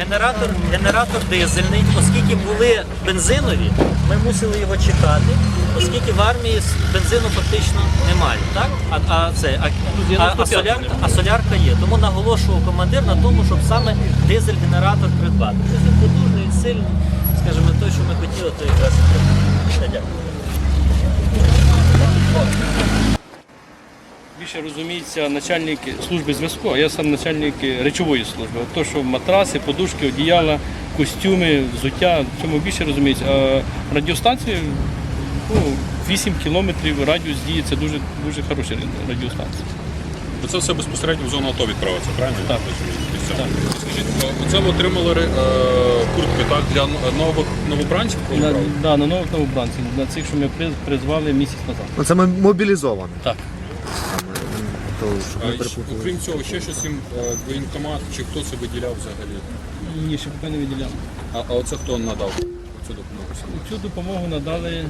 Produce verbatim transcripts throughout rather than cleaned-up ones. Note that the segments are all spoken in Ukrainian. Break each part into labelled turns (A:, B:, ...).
A: генератор, генератор дизельний, оскільки були бензинові, ми мусили його чекати, оскільки в армії бензину фактично немає. Так? А, а, це, а, а, а, солярка, а солярка є. Тому наголошував командир на тому, щоб саме дизель-генератор придбати. Він потужний, він сильний, скажімо, той, що ми хотіли, то якраз і дякую.
B: Більше розуміється начальник служби зв'язку, а я сам начальник речової служби. От то, що матраси, подушки, одіяла, костюми, взуття, в цьому більше розуміється. А радіостанції, ну, вісім кілометрів радіус дії, це дуже, дуже хороша радіостанція.
C: Це все безпосередньо в зону АТО відправиться, правильно?
B: Так.
C: Так. Скажіть, оце ви отримали е, куртки, так, для нових новобранців?
B: На, да, на нових новобранців, на цих, що ми приз- призвали місяць назад.
D: Ну, це ми мобілізовані.
B: Так.
D: То, щоб
C: А,
D: не
C: і,
D: перепутали.
C: окрім цього, ще щось їм е, воєнкомат, чи хто це виділяв взагалі?
B: Ні, ще поки не виділяли.
C: А, а оце хто надав цю допомогу?
B: Цю допомогу надали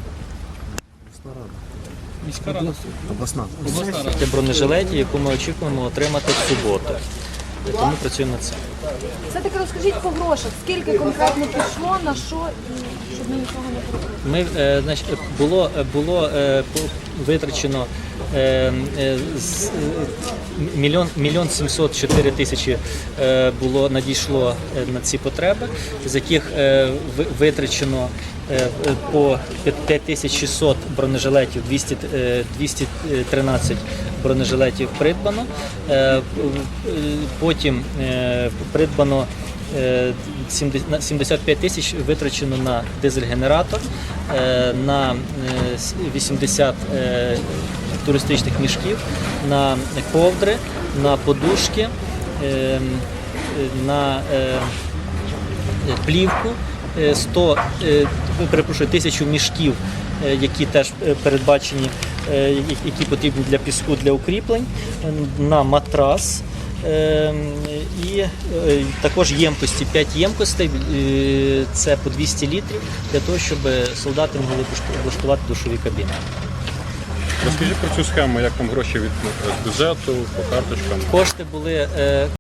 B: міська рада.
D: Обласна.
B: Обласна рада.
A: Це бронежилеті, яку ми очікуємо отримати в суботу. Тому працюємо над цим.
E: Все-таки розкажіть по грошах, скільки конкретно пішло, на що, і щоб ми нічого не перепутали.
A: Ми, е, значить, було, було е, по- витрачено е, е, з- е, мільйон, мільйон сімсот чотири тисячі е, було, надійшло е, на ці потреби, з яких е, ви- витрачено е, по п'ять тисяч шістсот бронежилетів, двісті, е, двісті тринадцять бронежилетів придбано. Е, п- е, Потім е, придбано е, сімдесят на сімдесят п'ять тисяч витрачено на дизель-генератор, е, на е, с- вісімдесят е, туристичних мішків, на ковдри, на подушки, е, е, на е, плівку, е, сто, е, перепрошую, тисячу мішків, е, які теж е, передбачені, е, які- які потрібні для піску, для укріплень, е, на матрас. Е, І е, також ємкості, п'ять ємкостей, е, це по двісті літрів, для того, щоб солдати могли облаштувати душові кабіни.
C: Розкажіть про цю схему, як там гроші від з бюджету, по карточкам.
A: Кошти були е,